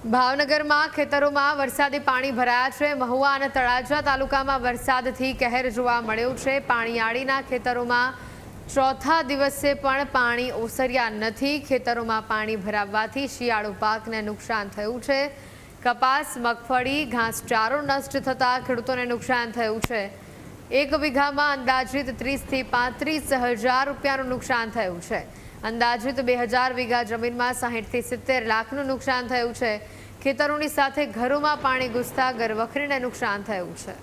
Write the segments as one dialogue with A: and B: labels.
A: ભાવનગરમાં ખેતરોમાં વરસાદી પાણી ભરાયા છે। મહુવા અને તળાજા તાલુકામાં વરસાદથી કહેર જોવા મળ્યો છે। પાણીયાળીના ખેતરોમાં ચોથા દિવસે પણ પાણી ઓસર્યા નથી। ખેતરોમાં પાણી ભરાવવાથી શિયાળુ પાકને નુકસાન થયું છે। કપાસ, મગફળી, ઘાસચારો નષ્ટ થતા ખેડૂતોને નુકસાન થયું છે। એક વીઘામાં અંદાજિત 30 થી 35 હજાર રૂપિયાનું નુકસાન થયું છે। અંદાજિત 2000 વીઘા જમીનમાં 60 થી 70 લાખનું નુકસાન થયું છે। ખેતરોની સાથે ઘરોમાં પાણી ઘૂસતા ઘરવખરીને નુકસાન થયું છે।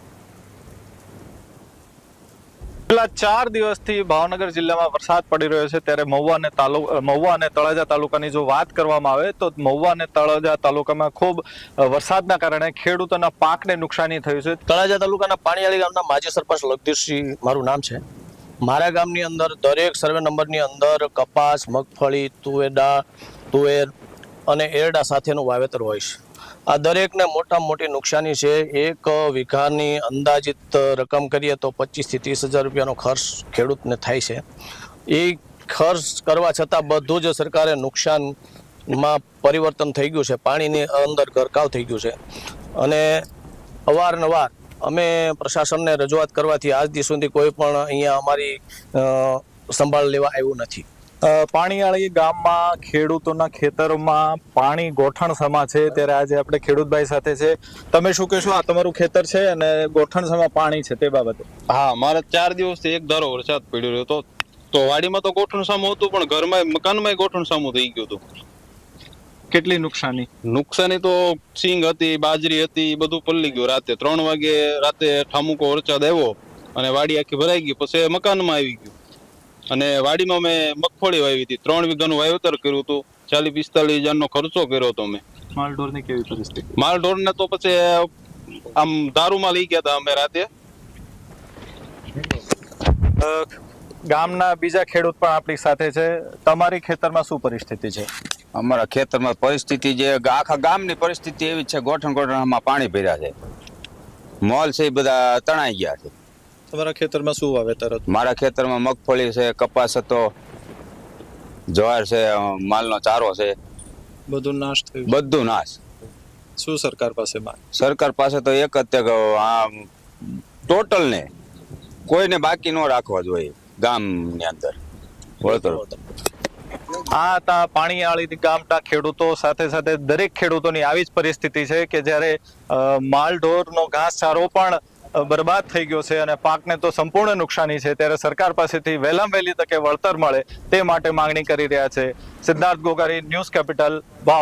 B: છેલ્લા 4 દિવસથી ભાવનગર જિલ્લામાં વરસાદ પડી રહ્યો છે, ત્યારે મહુવા અને તળાજા તાલુકાની જો વાત કરવામાં આવે તો મહુવા અને તળાજા તાલુકામાં ખૂબ વરસાદના કારણે ખેડૂતોના પાકને નુકસાની થયું છે।
C: તળાજા તાલુકાના પાણીયાળી ગામના માજી સરપંચ લગદીશસિંહ મારું નામ છે। મારા ગામની અંદર દરેક સર્વે નંબરની અંદર કપાસ, મગફળી, તુવેર અને એરડા સાથેનું વાવેતર હોય છે। આ દરેકને મોટામાં મોટી નુકસાની છે। એક વીઘાની અંદાજિત રકમ કરીએ તો 25 થી 30 હજાર રૂપિયાનો ખર્ચ ખેડૂતને થાય છે। એ ખર્ચ કરવા છતાં બધું જ સરકારે નુકસાનમાં પરિવર્તન થઈ ગયું છે। પાણીની અંદર ગરકાવ થઈ ગયું છે અને અવારનવાર અમે પ્રશાસનને રજૂઆત કરવાથી આજ દી સુધી કોઈ પણ અહીંયા અમારી સંભાળ લેવા આવ્યું નથી।
B: પાણીયાળી ગામમાં ખેડૂતોના ખેતરોમાં પાણી ગોઠણ સમા છે, ત્યારે આજે આપણે ખેડૂતભાઈ સાથે છે। તમે શું કહેશો? આ તમારું ખેતર છે અને ગોઠણ સમા પાણી છે તે બાબતે?
D: હા, મારે 4 દિવસથી એક ધારો વરસાદ પડ્યો રહ્યો તો વાડીમાં તો ગોઠણ સામું હતું, પણ ઘરમાં મકાનમાં ગોઠણ સામું થઈ ગયું હતું।
B: કેટલી નુકસાની
D: તો સિંગ હતી, બાજરી હતી, બધું પલળી ગયું। રાતે 3 વાગે ઠામુકો વરસાદ આવ્યો અને વાડી આખી ભરાઈ ગઈ। પછી મકાનમાં આવી ગયું અને વાડીમાં મેં મગફળી વાવી હતી। 3 વીઘાનું વાવેતર કર્યું હતું। 40-45 હજારનો ખર્ચો કર્યો હતો મેં।
B: માલઢોરની કેવી પરિસ્થિતિ?
D: માલઢોરને તો પછી આમ દારૂમાં લઈ ગયા હતા અમે રાતે।
B: ગામના બીજા ખેડૂત પણ આપણી સાથે છે। તમારી ખેતરમાં શું પરિસ્થિતિ છે?
E: અમારા ખેતરમાં પરિસ્થિતિ જે આખા ગામની પરિસ્થિતિ એવી છે, ગોઠણમાં પાણી ભર્યા છે। મોલ છે એ બધા તણાઈ ગયા છે।
B: તમારા ખેતરમાં શું વાવેતર હતું?
E: મારા ખેતરમાં મગફળી છે, કપાસ હતો, જવાર છે, માલનો ચારો છે,
B: બધું નાશ થયું?
E: બધું નાશ।
B: શું સરકાર પાસે માંગ?
E: સરકાર પાસે તો એક જ તે આ ટોટલ ને કોઈને બાકી ન રાખવા જોઈએ ગામની અંદર વળતર।
B: આ હતા પાણીયાળી ગામના ખેડૂતો। સાથે સાથે દરેક ખેડૂતોની આવી જ પરિસ્થિતિ છે કે જ્યારે માલઢોરનો ઘાસચારો પણ બરબાદ થઈ ગયો છે અને પાકને તો સંપૂર્ણ નુકસાની છે, ત્યારે સરકાર પાસેથી વહેલામાં વહેલી તકે વળતર મળે તે માટે માંગણી કરી રહ્યા છે। Siddharth Gogari, News Capital, Bhavnagar.